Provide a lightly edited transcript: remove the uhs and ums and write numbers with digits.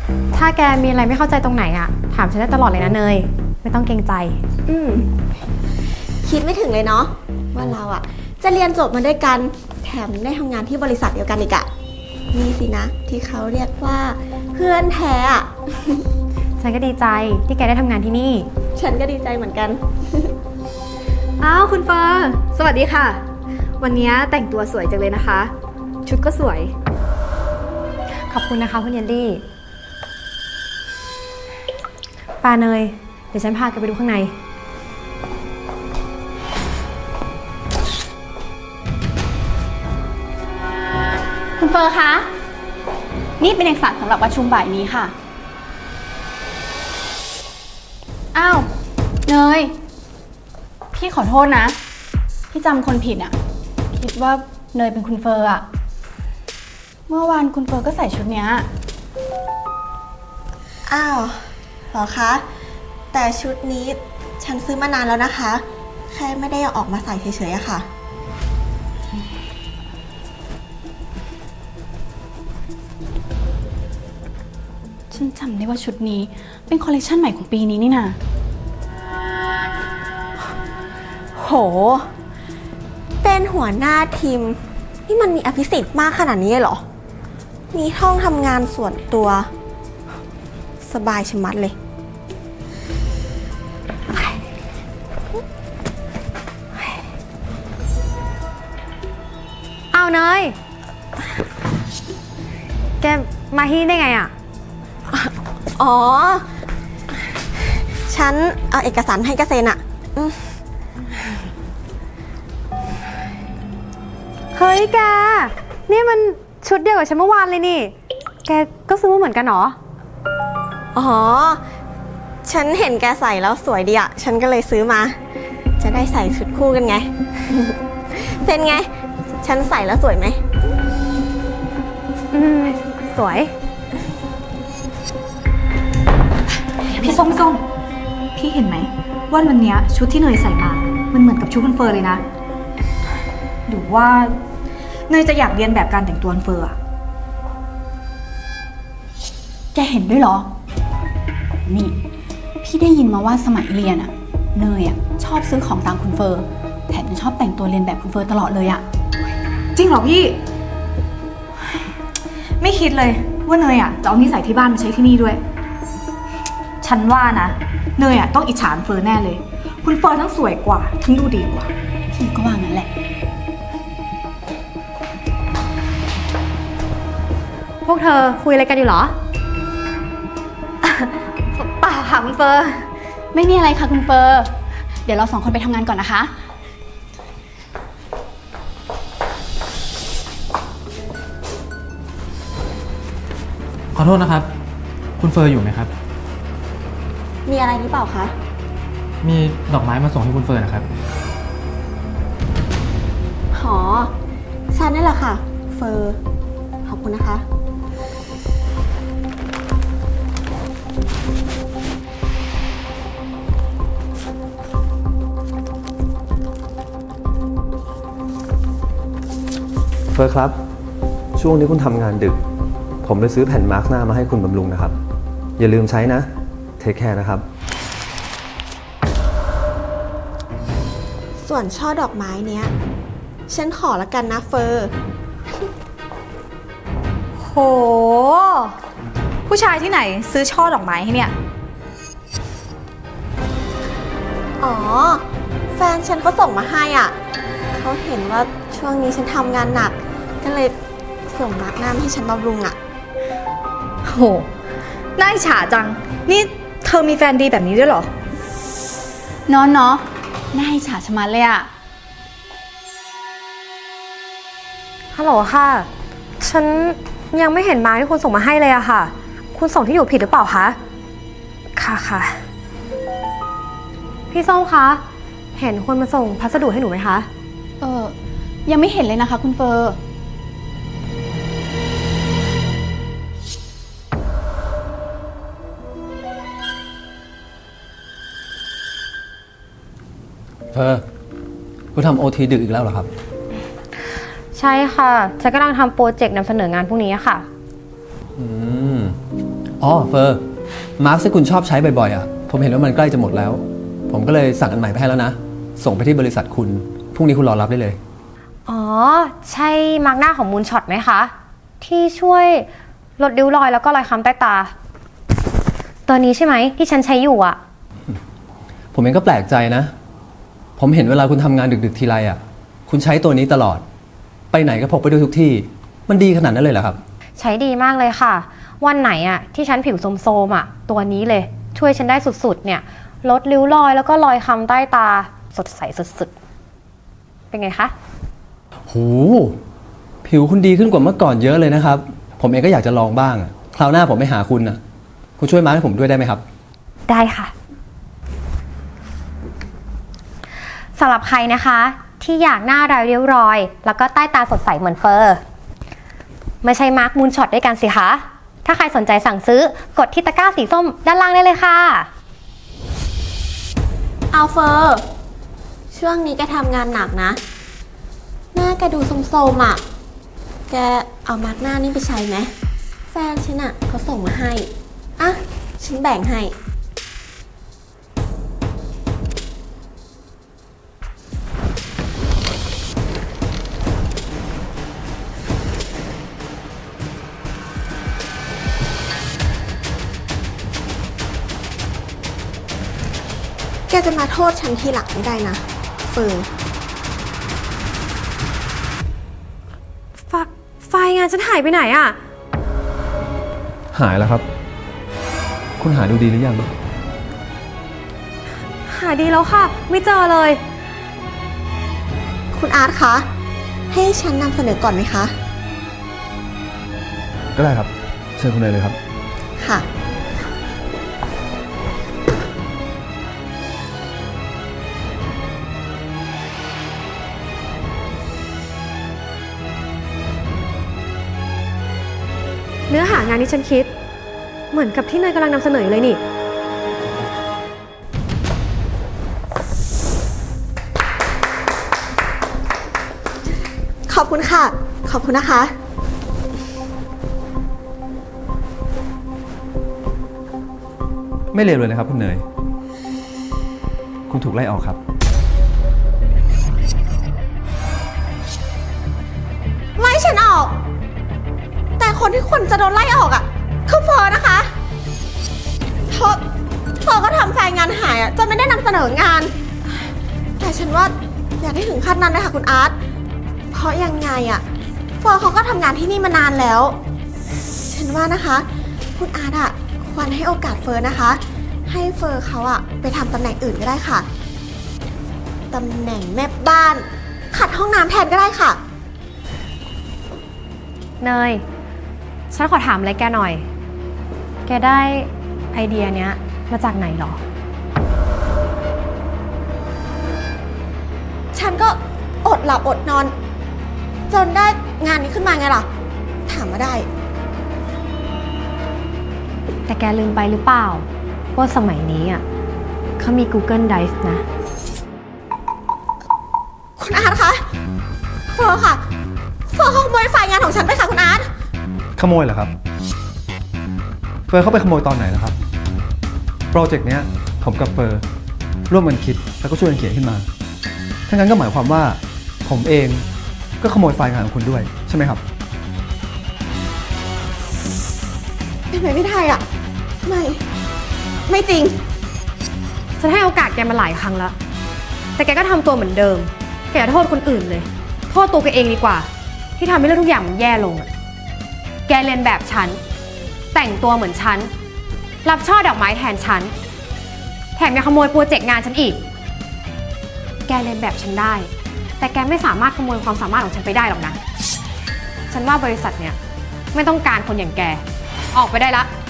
ถ้าแกมีอะไรไม่เข้าใจตรงไหนอะถามฉันได้ตลอดเลยนะเนยไม่ต้องเกรงใจคิดไม่ถึงเลยเนาะว่าเราอะจะเรียนจบมาด้วยกันแถมได้ทำงานที่บริษัทเดียวกันอีกอะนี่สินะที่เขาเรียกว่าเพื่อนแท้อะฉันก็ดีใจที่แกได้ทำงานที่นี่ฉันก็ดีใจเหมือนกันอ้าวคุณเฟอร์สวัสดีค่ะวันนี้แต่งตัวสวยจังเลยนะคะชุดก็สวยขอบคุณนะคะคุณเยลลี่ปาเนยเดี๋ยวฉันพาแกไปดูข้างในคุณเฟอร์คะนี่เป็นเอกสารสำหรับประชุมบ่ายนี้ค่ะอ้าวเนยพี่ขอโทษนะพี่จำคนผิดอ่ะคิดว่าเนยเป็นคุณเฟอร์อ่ะเมื่อวานคุณเฟอร์ก็ใส่ชุดเนี้ยอ้าวเหรอคะแต่ชุดนี้ฉันซื้อมานานแล้วนะคะแค่ไม่ได้เอาออกมาใส่เฉยๆอะค่ะฉันจำได้ว่าชุดนี้เป็นคอลเลคชันใหม่ของปีนี้นี่นะโหเป็นหัวหน้าทีมนี่มันมีอภิสิทธิ์มากขนาดนี้เหรอมีห้องทำงานส่วนตัวสบายชะมัดเลยเอาเนยแกมาที่นี่ได้ไงอะอ๋อฉันเอาเอกสารให้แกเซ็นอะเฮ้ยแกนี่มันชุดเดียวกับฉันเมื่อวานเลยนี่แกก็ซื้อมาเหมือนกันเหรออ๋อฉันเห็นแกใส่แล้วสวยดีอะฉันก็เลยซื้อมาจะได้ใส่ชุดคู่กันไง เป็นไงฉันใส่แล้วสวยไหมสวยพี่ส้มพี่เห็นไหมว่าวันนี้ชุดที่เนยใส่มามันเหมือนกับชุดคุณเฟอร์เลยนะหรือว่าเนยจะอยากเรียนแบบการแต่งตัวคุณเฟอร์อะแกเห็นด้วยเหรอนี่พี่ได้ยินมาว่าสมัยเรียนอะเนยอะชอบซื้อของตามคุณเฟอร์แถมยังชอบแต่งตัวเรียนแบบคุณเฟอร์ตลอดเลยอะจริงเหรอพี่ไม่คิดเลยว่าเนยอะจะเอานิสัยที่บ้านมาใช้ที่นี่ด้วยฉันว่านะเนยอะต้องอิจฉาคุณเฟอร์แน่เลยคุณเฟอร์ทั้งสวยกว่าทั้งดูดีกว่าพี่ก็ว่างั้นแหละพวกเธอคุยอะไรกันอยู่เหรอเปล่าค่ะคุณเฟอร์ไม่มีอะไรค่ะคุณเฟอร์เดี๋ยวเราสองคนไปทำงานก่อนนะคะขอโทษนะครับคุณเฟอร์อยู่ไหมครับมีอะไรหรือเปล่าคะมีดอกไม้มาส่งให้คุณเฟอร์นะครับหอฉันนี่แหละค่ะเฟอร์ขอบคุณนะคะเฟอร์ครับช่วงนี้คุณทำงานดึกผมเลยซื้อแผ่นมาร์กหน้ามาให้คุณบำรุงนะครับอย่าลืมใช้นะเทคแคร์นะครับส่วนช่อดอกไม้เนี้ยฉันขอละกันนะเฟอร์โหผู้ชายที่ไหนซื้อช่อดอกไม้ให้เนี่ยอ๋อแฟนฉันเขาส่งมาให้อ่ะเขาเห็นว่าช่วงนี้ฉันทำงานหนักก็เลยส่งมาร์กหน้ามาให้ฉันบำรุงอ่ะโหน่าอิจฉาจังนี่เธอมีแฟนดีแบบนี้ด้วยเหรอเนาะน่าอิจฉาชะมัดเลยอะฮัลโหลค่ะฉันยังไม่เห็นมาที่คุณส่งมาให้เลยอะค่ะคุณส่งที่อยู่ผิดหรือเปล่าคะค่ะพี่ส้มคะเห็นคนมาส่งพัสดุให้หนูไหมคะยังไม่เห็นเลยนะคะคุณเฟอร์คุณทำโอทีดึกอีกแล้วเหรอครับใช่ค่ะฉันกำลังทำโปรเจกต์นำเสนองานพวกนี้ค่ะอ๋อเฟอร์มาร์คที่คุณชอบใช้บ่อยๆอ่ะผมเห็นว่ามันใกล้จะหมดแล้ว ผมก็เลยสั่งอันใหม่ไปให้แล้วนะส่งไปที่บริษัทคุณพรุ่งนี้คุณรอรับได้เลยอ๋อ ใช่มาร์กหน้าของมูนช็อตไหมคะ ที่ช่วยลดริ้วรอยแล้วก็รอยค้ำใต้ตา ตัวนี้ใช่ไหมที่ฉันใช้อยู่อะผมเองก็แปลกใจนะผมเห็นเวลาคุณทำงานดึกๆทีไรอ่ะคุณใช้ตัวนี้ตลอดไปไหนก็พกไปด้วยทุกที่มันดีขนาดนั้นเลยเหรอครับใช้ดีมากเลยค่ะ วันไหนอะที่ฉันผิวโทรมๆอะตัวนี้เลยช่วยฉันได้สุดๆเนี่ยลดริ้วรอยแล้วก็รอยค้ำใต้ตาสดใสสุดๆเป็นไงคะโหผิวคุณดีขึ้นกว่าเมื่อก่อนเยอะเลยนะครับ ผมเองก็อยากจะลองบ้างอะคราวหน้าผมไปหาคุณนะคุณช่วยมาร์คให้ผมด้วยได้ไหมครับได้ค่ะสำหรับใครนะคะที่อยากหน้าไร้ริ้วรอย แล้วก็ใต้ตาสดใสเหมือนเฟอร์ไม่ใช่มาร์คมูนช็อตด้วยกันสิคะถ้าใครสนใจสั่งซื้อกดที่ตะกร้าสีส้มด้านล่างได้เลยค่ะเอาเฟอร์ช่วงนี้แกทำงานหนักนะ หน้าแกดูโทรมๆอ่ะ แกเอามาร์กหน้านี่ไปใช้ไหมแฟนฉันอ่ะเขาส่งมาให้ อ่ะ ฉันแบ่งให้ แกจะมาโทษฉันทีหลังไม่ได้นะเฟิร์นไฟล์งานฉันหายไปไหนอะหายแล้วครับ คุณหาดูดีหรือยังหาดีแล้วค่ะ ไม่เจอเลยคุณอาร์ตคะ ให้ฉันนำเสนอก่อนไหมคะก็ได้ครับเชิญคุณเลยครับค่ะเนื้อหางานที่ฉันคิด เหมือนกับที่เนยกำลังนำเสนออยู่เลยนี่ขอบคุณค่ะ ขอบคุณนะคะไม่เลวเลยนะครับคุณเนยคุณถูกไล่ออกครับไล่ฉันออก แต่คนที่ควรจะโดนไล่ออกอ่ะคือเฟิร์นนะคะเพราะเฟิร์นก็ทำแฟนงานหายอ่ะจนไม่ได้นำเสนองาน แต่ฉันว่าอย่าได้ถึงขั้นนั้นเลยค่ะคุณอาร์ตเพราะยังไงอ่ะเฟิร์นเขาก็ทำงานที่นี่มานานแล้ว ฉันว่านะคะ คุณอาร์ตอ่ะควรให้โอกาสเฟิร์นนะคะ ให้เฟิร์นเขาอ่ะไปทำตำแหน่งอื่นก็ได้ค่ะตำแหน่งแม่บ้านขัดห้องน้ำแทนก็ได้ค่ะเนย ฉันขอถามอะไรแกหน่อย แกได้ไอเดียเนี้ยมาจากไหนหรอฉันก็อดหลับอดนอน จนได้งานนี้ขึ้นมาไงล่ะ ถามมาได้แต่แกลืมไปหรือเปล่า ว่าสมัยนี้อ่ะเขามี Google Drive นะคุณอาร์ตคะเฟอร์ค่ะเฟอร์ขโมยไฟล์งานของฉันไปค่ะคุณอาร์ตขโมยเหรอครับเฟอร์เข้าไปขโมยตอนไหนนะครับโปรเจกต์เนี้ยผมกับเฟอร์ร่วมกันคิดแล้วก็ช่วยกันเขียนขึ้นมาถ้างั้นก็หมายความว่าผมเองก็ขโมยไฟล์งานของคุณด้วยใช่ไหมครับเป็นไปไม่ได้อ่ะ ไม่จริงฉันให้โอกาสแกมาหลายครั้งแล้ว แต่แกก็ทำตัวเหมือนเดิม แกอย่าโทษคนอื่นเลย โทษตัวแกเองดีกว่า ที่ทำให้เรื่องทุกอย่างมันแย่ลงอะแกเรียนแบบฉัน แต่งตัวเหมือนฉัน รับช่อดอกไม้แทนฉัน แถมยังขโมยโปรเจกต์งานฉันอีก แกเรียนแบบฉันได้ แต่แกไม่สามารถขโมยความสามารถของฉันไปได้หรอกนะ ฉันว่าบริษัทเนี่ยไม่ต้องการคนอย่างแก ออกไปได้ละ